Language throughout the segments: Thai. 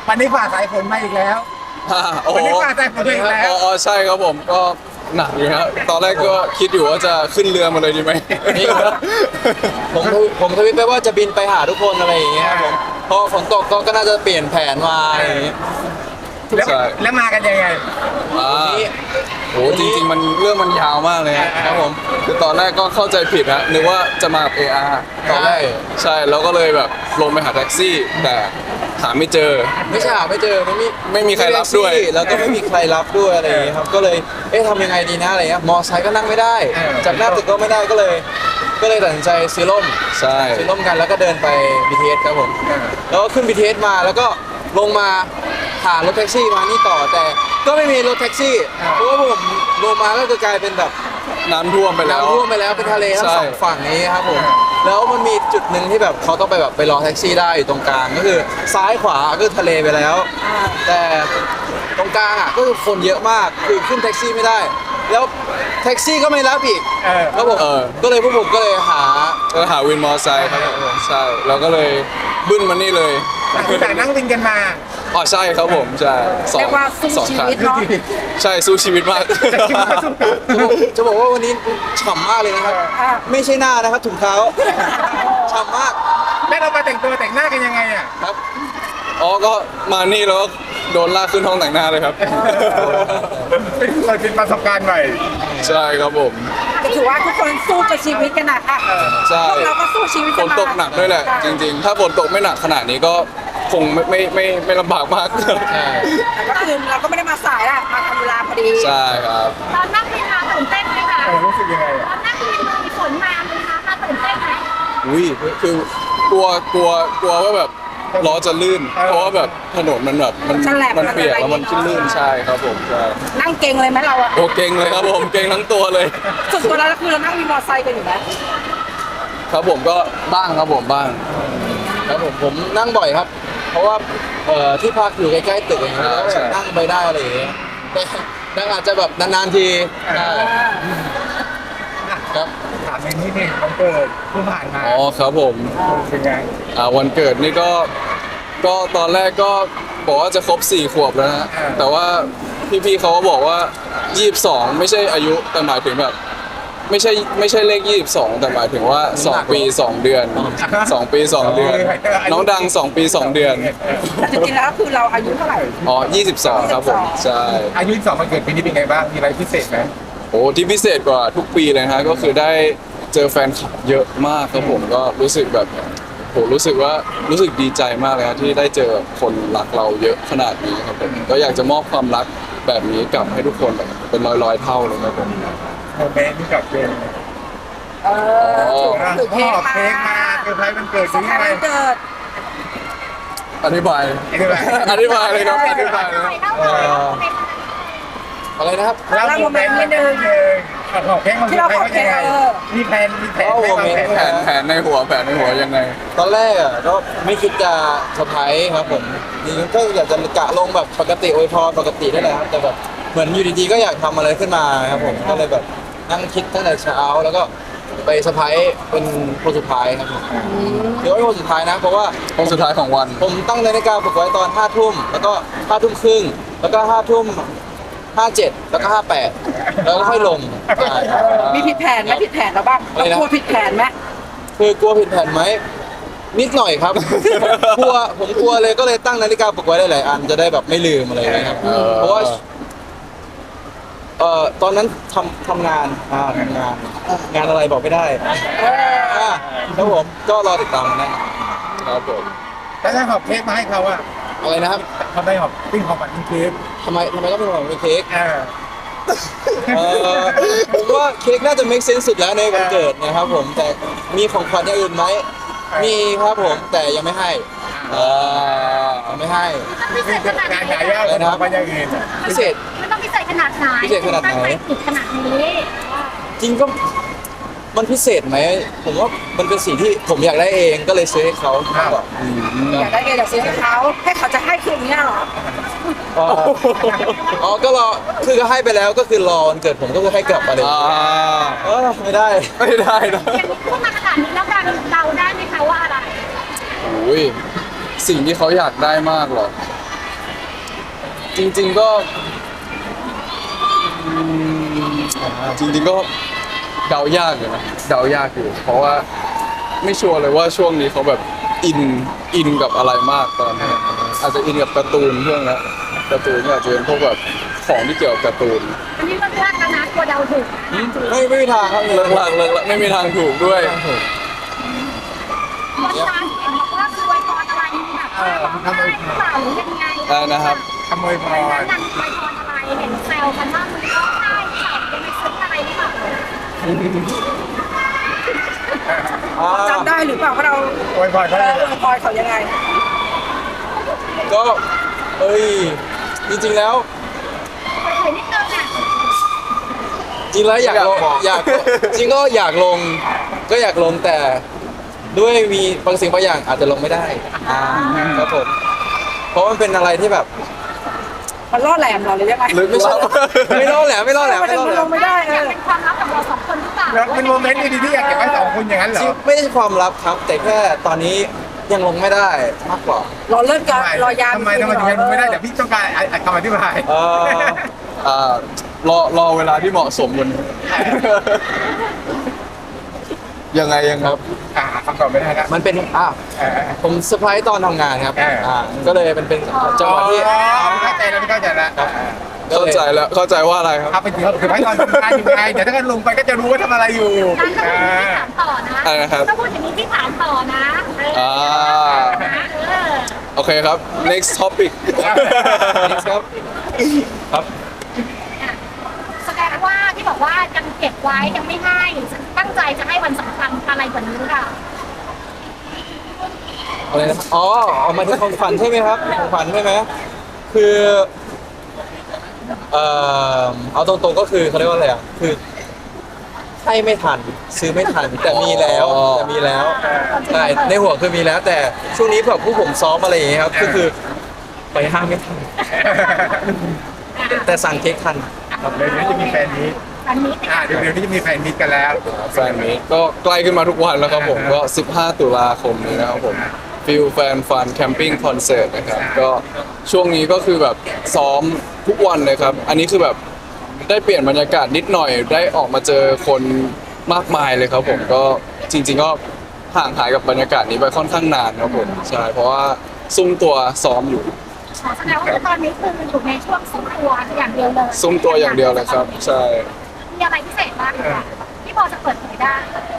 วันนี้ฝ่าสายฝนมาอีกแล้วโอ้โหวันนี้ฝ่าสายฝนมาอีกแล้วอ๋อใช่ครับผมก็หนักอยู่ครับตอนแรกก็คิดอยู่ว่าจะขึ้นเรือมาเลยดีไหมนี่ครับผมทวิตไปว่าจะบินไปหาทุกคนอะไรอย่างเงี้ยครับผมพอฝนตกก็น่าจะเปลี่ยนแผนมาอะไรอย่างเงี้ยแล้วใช่แล้วมากันยังไงอ่าโหจริงๆมันเรื่องมันยาวมากเลยครับผมคือตอนแรกก็เข้าใจผิดฮะนึกว่าจะมากับ AR ตอนแรกใช่แล้วก็เลยแบบลงไปหาแท็กซี่แต่หาไม่เจอไม่ใช่หาไม่เจอไม่มีใครรับด้วยแล้วก็ไม่มีใครรับด้วยอะไรอย่างเงี้ยครับก็เลยทำยังไงดีนะอะไรเงี้ยมอไซค์ก็นั่งไม่ได้จากหน้าตึกก็ไม่ได้ก็เลยตัดสินใจซื้อร่มใช่ซื้อร่มกันแล้วก็เดินไป BTS ครับผมแล้วก็ขึ้น BTS มาแล้วก็ลงมาหารถแท็กซี่มานี่ต่อแต่ก็ไม่มีรถแท็กซี่เพราะว่าผมลงมาก็จะกลายเป็นแบบน้ำท่วมไปแล้วน้ำท่วมไปแล้วเป็นทะเลทั้งใช่สองฝั่งนี้ครับผมแล้วมันมีจุดหนึ่งที่แบบเขาต้องไปรอแท็กซี่ได้อยู่ตรงกลางก็คือซ้ายขวาก็คือทะเลไปแล้ว แต่ตรงกลางอ่ะก็คือคนเยอะมากคือขึ้นแท็กซี่ไม่ได้ แล้วแท็กซี่ก็ไม่รับอีกแล้วผมก็เลยพวกผมก็เลยหาก็หาวินมอเตอร์ไซค์ครับผมใช่เราก็เลยบึ้นมานี่เลยแต่นั่งวินกันมาอ๋อใช่ครับผมใช่สองเรียกว่าสู้สองชีคันวิตเนาะใช่สู้ชีวิตมากจะบอกว่าวันนี้ฉ่ำมากเลยนะครับ ไม่ใช่หน้านะครับถุงเท้าฉ่ำมากแล้วเรามาแต่งตัวแต่งหน้ากันยังไงอ่ะครับอ๋อก็มานี่แล้วก็โดนลากขึ้นห้องแต่งหน้าเลยครับเป็นประสบการณ์ใหม่ใช่ครับผมก็ถือว่าทุกคนสู้กับชีวิตกันนะค่ะใช่พวกเราก็สู้ชีวิตฝกันนมาตกหนักด้วยแหละ จริงๆ ถ้าฝนตกไม่หนักขนาดนี้ก็คงไม่ลำบากมากแต่ก็คือเราก็ไม่ได้มาสายละมาทำเวลาพอดีใช่ครับตอนนั่งวินมาตื่นเต้นไหมคะรู้สึกยังไงตอ่ะอนนั่งวินมีฝนมาไหมคะมาตื่นเต้นไหมอุ้ยคือกลัวว่าแบบล้อจะลื่น เพราะว่าแบบถนนมันแบบมันเปียกแล้วมันขึ้นลื่นใช่ครับผมใช่นั่งเก่งเลยไหมเราอะโอเก่งเลยครับผมเก่งทั้งตัวเลยส่วนตัวเราคือเรานั่งมีมอเตอร์ไซค์กันอยู่ไหมครับผมก็บ้างครับผมบ้างครับผมนั่งบ่อยครับ เพราะว่าที่พักอยู่ใกล้ๆตึกอย่างเงี้ยแล้วก็แบบนั่งไปได้อะไรอย่างเงี้ยแต่นั่งอาจจะแบบนานๆทีได้ครับถามในนี้นี่มันเกิดเพิ่งผ่านมาอ๋อครับผมเป็นไงวันเกิดนี่ก็ตอนแรกก็บอกว่าจะครบ4 ขวบแล้วนะแต่ว่าพี่ๆเขาก็บอกว่า22ไม่ใช่อายุแต่หมายถึงแบบไม่ใช่เลข22แต่หมายถึงว่า2 ปี 2 เดือน2 ปี 2 เดือน น้องดัง2 ปี 2 เดือนแต่จริงๆแล้วคือเราอายุเท่าไหร่อ๋อ22ครับผมใช่อายุ2มันเกิดปีนี้เป็นไงบ้าง มีอะไรพิเศษไหมโอ้ที่พิเศษกว่าทุกปีเลยนะฮะก็คือได้เจอแฟนคลับเยอะมากครับผมก็รู้สึกแบบโหรู้สึกดีใจมากเลยนะที่ได้เจอคนรักเราเยอะขนาดนี้ครับผมก็อยากจะมอบความรักแบบนี้กลับให้ทุกคนแบบเป็นร้อยๆเท่าเลยครับผมโมเมนต์ที่กับเจนเออถือพ่เค้อกมาเค้กมาเซอร์ไพรส์วันเกิดสยังถานไงวันเกิดอธิบาย อธิบายเลยครับอธิบายเลยอะไรนะครับแล้วโมเมนต์นิดนึงขอเค้กมาเซอร์ไพรส์ว่ายังไงมีแผนแผนในหัวยังไงตอนแรกอ่ะก็ไม่คิดจะเซอร์ไพรส์ครับผมนี่ก็อยากจะกะลงแบบปกติอวยพรปกติได้แหละครับแต่แบบเหมือนอยู่ดีๆก็อยากทำอะไรขึ้นมาครับผมก็เลยแบบนั่งคิดตั้งแต่เช้าแล้วก็ไปเซอร์ไพรส์เป็นคนสุดท้ายครับผมเดี๋ยวไว้คนสุดท้ายนะเพราะว่าคนสุดท้ายของวันผมตั้งนาฬิกาปลุกไว้ตอน5 ทุ่มแล้วก็5 ทุ่มครึ่งแล้วก็5 ทุ่ม57แล้วก็58แล้วก็ค่อยลงใช่ครับมีผิดแผนไหมผิดแผนเราบ้างเรากลัวผิดแผนไหมคือกลัวผิดแผนไหมนิดหน่อยครับ ผมกลัวเลยก็เลยตั้งนาฬิกาปลุกไว้หลายๆอันจะได้แบบไม่ลืมอะไรอย่างเงี้ยครับเพราะว่าตอนนั้นทำงานงานอะไรบอกไม่ได้ครับผมก็รอติดตามนะครับผมแล้วถ้าหอบเค้กมาให้เขาอะอะไรนะครับเขาได้หอบปิ้งของขวัญเค้กทำไมต้องเป็นของเค้กเออผมว่าเค้กน่าจะ make sense สุดแล้วในวันเกิดนะครับผมแต่มีของขวัญอย่างอื่นไหมมีครับผมแต่ยังไม่ให้ยังไม่ให้พิเศษขนาดไหนการหายากของขวัญอย่างอื่นพิเศษมันต้องพิเศษขนาดไหนพิเศษขนาดไหนตั้งใจผิดขนาดนี้จริงก็มันพิเศษไหมผมว่ามันเป็นสิ่งที่ผมอยากได้เองก็เลยซื้อให้เขามากกว่าอยากได้เองอยากซื้อให้เขาจะให้คืนนี้เหรออ๋อก็รอคือก็ให้ไปแล้วก็คือรอวันเกิดผมก็คือให้กลับมาเลยไม่ได้ไม่ได้นะยังพูดมาขนาดนี้แล้วการเดาได้ไหมคะว่าอะไรโอ้ยสิ่งที่เขาอยากได้มากหรอจริงๆก็อืมจริงๆก็เดายากอยู่นะเดายากอยู่เพราะว่าไม่ชัวร์เลยว่าช่วงนี้เขาแบบอินกับอะไรมากตอนนี้อาจจะอินกับการ์ตูนเรื่องนะการ์ตูนก็อาจจะเป็นพวกแบบของที่เกี่ยวกับการ์ตูนอันนี้เลือกแล้วนะกลัวเดาถูกนะไม่มีทางครับเลิกลักไม่มีทางถูกด้วยวันนั้นเห็นบอกว่าคือไวยพรอะไรแบบร้องไห้หรือเปล่าหรือยังไงนะครับขโมยพวันรนั้นนางไวยพรอะไรเห็นแซวกันว่ามึงร้องไห้หรือเปล่ายังไม่ซึ้งอะไรหรือเปล่าจำได้หรือเปล่าว่าเราโวยพรเขาเอเลอย อวยพรเขายังไงก็เอ้ยจริงๆแล้วเผยนิดนึงอ่ะจริงแล้วอยากลงจริงก็อยากลงก็อยากลงแต่ด้วยมีบางสิ่งบางอย่างอาจจะลงไม่ได้ครับผมเพราะมันเป็นอะไรที่แบบมันล่อแหลมเราหรือยังไงลึกลับไม่รอดแหละไม่รอดแหละมันไม่รอดมันแหลละงไม่ได้อยากเออเป็นความลับของเราสองคนหรือเปล่าแล้วเป็นโมเมนต์ดีๆที่อยากเก็บไว้สองคนอย่างนั้นเหรจริงอไม่ใช่ความลับครับ แต่แค่ตอนนี้ยังลงไม่ได้มากกว่ารอเลิกกันรอยามทำไมถึงยังไม่ได้แต่พี่ต้องการคำอธิบายรอเวลาที่เหมาะสมกันยังไงครับคำตอบไม่ได้ครับมันเป็นผมเซอร์ไพรส์ตอนทำงานครับ ก็เลยเป็นจังหวะที่เข้าใจแล้วเข้าใจแล้วเข้าใจแล้วเข้าใจว่าอะไรครับเอาไปถึงเขาถือไว้ตอนทำงานอยู่ไงเดี๋ยวถ้าเกิดลงไปก็จะรู้ว่าทำอะไรอยู่งั้นถ้าพูดอย่างนี้พี่ถามต่อนะอะไรนะครับถ้าพูดอย่างนี้พี่ถามต่อนะอ่า โอเคครับ next topic ครับครับแสดงว่าที่บอกว่ายังเก็บไว้ยังไม่ให้ตั้งใจจะให้วันสำคัญอะไรกว่านี้หรือเปล่าอะไรนะอ๋อเอามาที่ของขวัญใช่ไหมครับของขวัญใช่ไหมคือเอาตรงๆก็คือเขาเรียกว่าอะไรอ่ะคือให้ไม่ทันซื้อไม่ทันแต่มีแล้วใช่ในหัวคือมีแล้ว แต่ช่วงนี้แบบผู้ผมซ้อมอะไรอย่างเงี้ยครับก็คือไปห้างไม่ทันแต่สั่งเค้กทันเดี๋ยวนี้จะมีแฟนมีตอันนี้เดี๋ยวนี้จะมีแฟนมีตกันแล้วแฟนมีตก็ใกล้ขึ้นมาทุกวันแล้วครับผมก็ 15 ตุลาคมนี้นะครับผมฟิลแฟนฟันแคมปิ้งคอนเสิร์ตนะครับก็ช่วงนี้ก็คือแบบซ้อมทุกวันเลยครับ อันนี้คือแบบได้เปลี่ยนบรรยากาศนิดหน่อยได้ออกมาเจอคนมากมายเลยครับผมก็จริง ๆ ก็ห่างหายกับบรรยากาศนี้ไปค่อนข้างนานครับผมใช่เพราะว่าซุ่มตัวซ้อมอยู่แสดงว่าตอนนี้คืออยู่ในช่วงซุ้มตัวอย่างเดียวเลยซุ่มตัวอย่างเดียวเลยครับใช่มีอะไรพิเศษบ้างคะที่พอจะเปิดเผยได้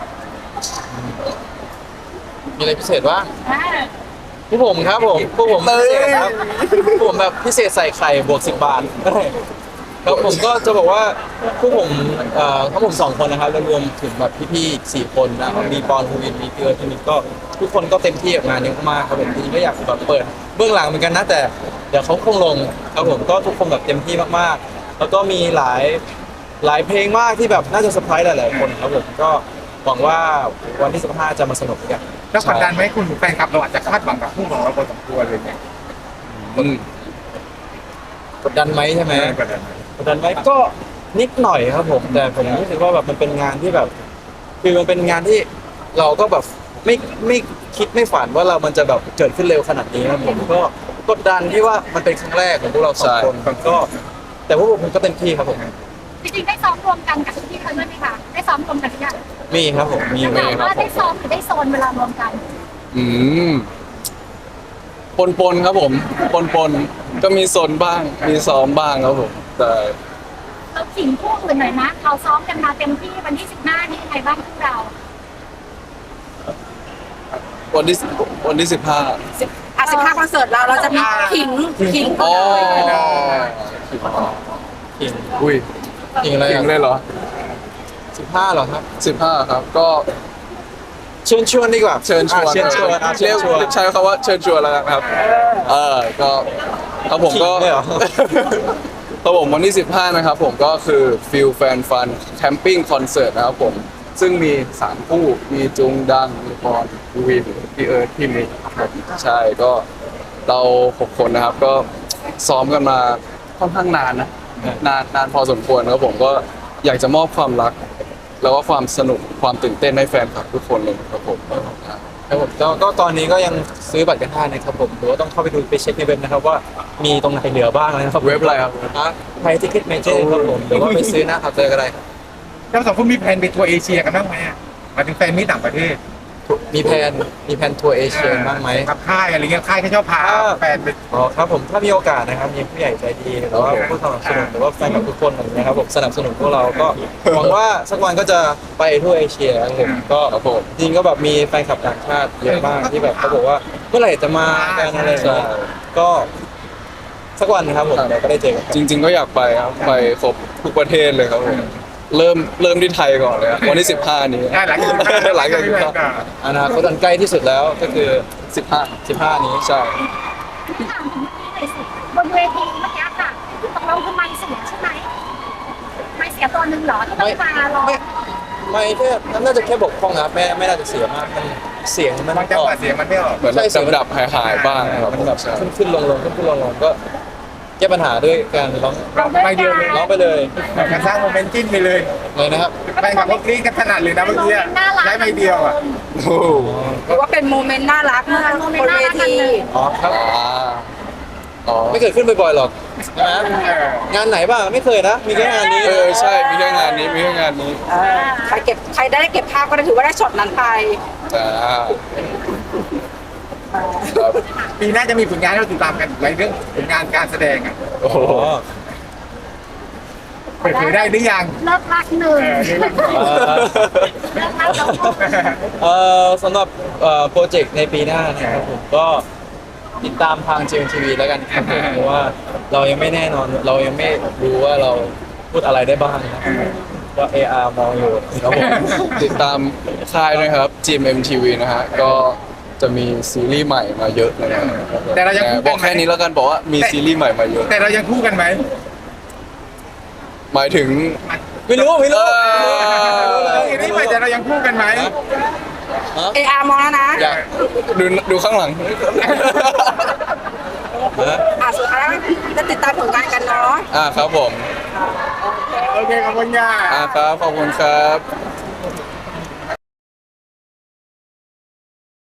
มีอะไรพิเศษบ้างอ่าผู้ผมครับผมผู้ผมพิเศษครับผู้ผมแบบพิเศษใส่ไข่บวก10 บาทครับผมก็จะบอกว่าผู้ผมทั้งผม2 คนนะครับแล้วรวมถึงแบบพี่ๆอีก4 คนนะมีปอนภูวินมีเกลือที่มีก็ทุกคนก็เต็มที่กับงานนี้มากครับผมจริงๆก็อยากแบบเปิดเบื้องหลังเหมือนกันนะแต่เดี๋ยวเขาคงลงครับผมก็ทุกคนแบบเต็มที่มากๆ แล้วก็มีหลายเพลงมากที่แบบน่าจะเซอร์ไพรส์หลายๆคนครับผมก็หวังว่าวันที่15จะมาสนุกกันแล้วกดดันไหมคุณแฟนคลับเราอาจจะคาดหวังกับคู่ของเราพอสมควรเลยเนี่ยอืมกดดันไหมใช่ไหมกดดันไหมกดดันไหมก็นิดหน่อยครับผมแต่ผมรู้สึกว่าแบบมันเป็นงานที่แบบคือมันเป็นงานที่เราก็แบบไม่คิดไม่ฝันว่ามันจะแบบเกิดขึ้นเร็วขนาดนี้ครับผมก็กดดันที่ว่ามันเป็นครั้งแรกของพวกเรา2 คนก็แต่พวกผมก็เต็มที่ครับผมจริงๆได้ซ้อมรวมกันกับพี่ๆเขาด้วยไหมคะได้ซ้อมรวมกันหรือยังมีครับผมมีถามว่าได้ซ้อมหรือได้โซนเวลารวมกันอืมปนครับผมปนก็มีโซนบ้างมีซ้อมบ้างครับผมแต่เราขิงคู่อื่นหน่อยนะเราซ้อมกันมาเต็มที่วันที่15นี่ยังไงบ้างพวกเราวันที่15 15คอนเสิร์ตเราจะมีขิงอ๋อจริงอุ้ยจริงอะไรจริงเลยเหรอ 15เหรอครับ 15ครับก็เชิญชวนดีกว่าเชิญชวนเชิญชวนเรียกใช้คำว่าเชิญชวนแล้วกันครับก็ครับผมก็ขิงเลยเหรอครับผมวันที่15นะครับผมก็คือฟิลแฟนฟันแคมปิ้งคอนเสิร์ตนะครับผมซึ่งมี3คู่มีจุงดังมีปอนวินพี่เอิร์ธพี่มิกครับผมใช่ก็เรา6 คนนะครับก็ซ้อมกันมาค่อนข้างนานนะนานพอสมควรครับผมก็อยากจะมอบความรัก แล้วก็ความสนุกความตื่นเต้นให้แฟนคลับทุกคนเลยครับผมครับผมก็ตอนนี้ก็ยังซื้อบัตรกันได้นะครับผมหรือว่าต้องเข้าไปดูไปเช็คในเว็บนะครับว่ามีตรงไหนเหลือบ้างนะครับเว็บอะไรครับไทยทิเก็ตเมเจอร์ครับผมหรือว่าไปซื้อหน้าเคาน์เตอร์ก็ได้ครับแล้วสองคนมีแผนไปทัวร์เอเชียกันบ้างไหมอะมาถึงแฟนมิตรต่างประเทศมีแผนทัวร์เอเชียบ้างไหมกับค่ายอะไรเงี้ยค่ายเขาชอบพาแฟนไปอ๋อครับผมถ้ามีโอกาสนะครับมีผู้ใหญ่ใจดีหรือว่าผู้สนับสนุนหรือว่าแฟนคลับทุกคนอะไรเงี้ยครับผมสนับสนุนพวกเราก็หวังว่าสักวันก็จะไปทั่วเอเชียครับผมก็ครับผมจริงก็แบบมีแฟนคลับต่างชาติเยอะมากที่แบบเขาบอกว่าเมื่อไหร่จะมากันอะไรอย่างเงี้ยก็สักวันนะครับผมเดี๋ยวก็ได้เจอกันครับจริง ๆ ก็อยากไปครับไปครบทุกประเทศเลยครับผมเริ่มที่ไทยก่อนเลยครับวันที่ 15 นี้หลังจากหลังจากอนาคตอันใกล้ที่สุดแล้วก็คือ 15 นี้ใช่ที่ถามถึงเมื่อกี้หน่อยสิบนเวทีเมื่อกี้ค่ะตกลงคือไมค์เสียใช่ไหมไมค์เสียตัวหนึ่งเหรอที่ต้องมาร้องไม่แค่น่าจะแค่บกพร่องนะครับไม่น่าจะเสียมากมันเสียงมันบางจังหวะเสียงมันไม่ออกเหมือนแบบดับๆหายๆบ้างครับมันแบบใช่ขึ้นลงก็แก้ปัญหาด้วยการร้องเราด้วยกันร้องไปเลยการสร้างโมเมนต์จิ้นไปเลยเลยนะครับแฟนคลับพวกนี้กันถนัดเลยนะเมื่อกี้ใช้ไม้เดียวอ่ะโอ้โหหรือว่าเป็นโมเมนต์น่ารักเมื่อบนเวทีอ๋อครับอ๋อไม่เคยขึ้นบ่อยๆหรอกใช่ไหมงานไหนบ้างไม่เคยนะมีแค่งานนี้ใช่มีแค่งานนี้มีแค่งานนี้ใครได้เก็บภาพก็ได้ถือว่าได้ช็อตนั้นไปอ่าครับปีหน้าจะมีผลงานให้เราติดตามกันในเรื่องผลงานการแสดงอ่ะโอ้โหอ๋อเปิดเผยได้หรือยังเลิกรักหนึ่งนี่มันเลิกรักแล้วก็สำหรับโปรเจกต์ในปีหน้านะครับผมก็ติดตามทาง GMTV แล้วกันครับผมเพราะว่าเรายังไม่แน่นอนเรายังไม่รู้ว่าเราพูดอะไรได้บ้างนะครับก็ AR มองอยู่ครับผมติดตามค่ายด้วยครับ GMMTV นะฮะก็จะมีซีรีส์ใหม่มาเยอะเลยนะครับแต่เรายังบอกแค่นี้แล้วกันบอกว่ามีซีรีส์ใหม่มาเยอะแต่เรายังคู่กันไหมหมายถึงไม่รู้เออซีรีส์ใหม่แต่เรายังคู่กันไหม AR มองแล้วนะอยากดูข้างหลังสุดท้ายจะติดตามผลงานกันเนาะครับผมโอเคขอบคุณค่ะครับขอบคุณครับ